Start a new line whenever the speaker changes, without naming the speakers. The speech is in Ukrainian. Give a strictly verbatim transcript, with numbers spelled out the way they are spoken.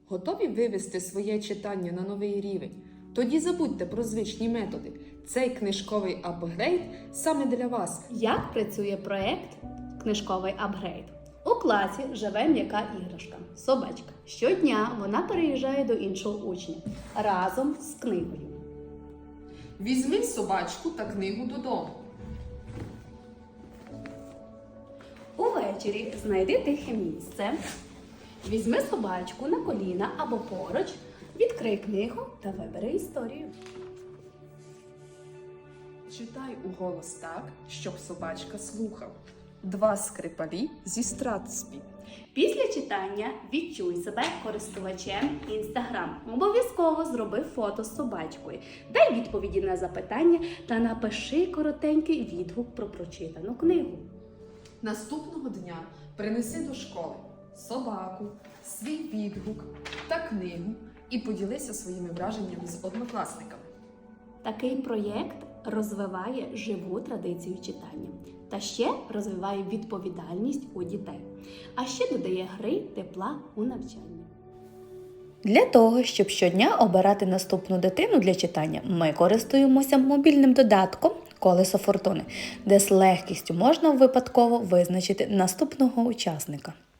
Готові вивести своє читання на новий рівень? Тоді забудьте про звичні методи. Цей книжковий апгрейд саме для вас.
Як працює проєкт «Книжковий апгрейд»? У класі живе м'яка іграшка – собачка. Щодня вона переїжджає до іншого учня разом з книгою.
Візьми собачку та книгу додому.
Увечері знайди тихе місце, візьми собачку на коліна або поруч, відкрий книгу та вибери історію.
Читай уголос так, щоб собачка слухала. Два скрипалі зі Стратспі.
Після читання відчуй себе користувачем Instagram. Обов'язково зроби фото з собачкою, дай відповіді на запитання та напиши коротенький відгук про прочитану книгу.
Наступного дня принеси до школи собаку, свій відгук та книгу і поділися своїми враженнями з однокласниками.
Такий проєкт розвиває живу традицію читання та ще розвиває відповідальність у дітей, а ще додає гри тепла у навчанні.
Для того, щоб щодня обирати наступну дитину для читання, ми користуємося мобільним додатком «Колесо фортуни», де з легкістю можна випадково визначити наступного учасника.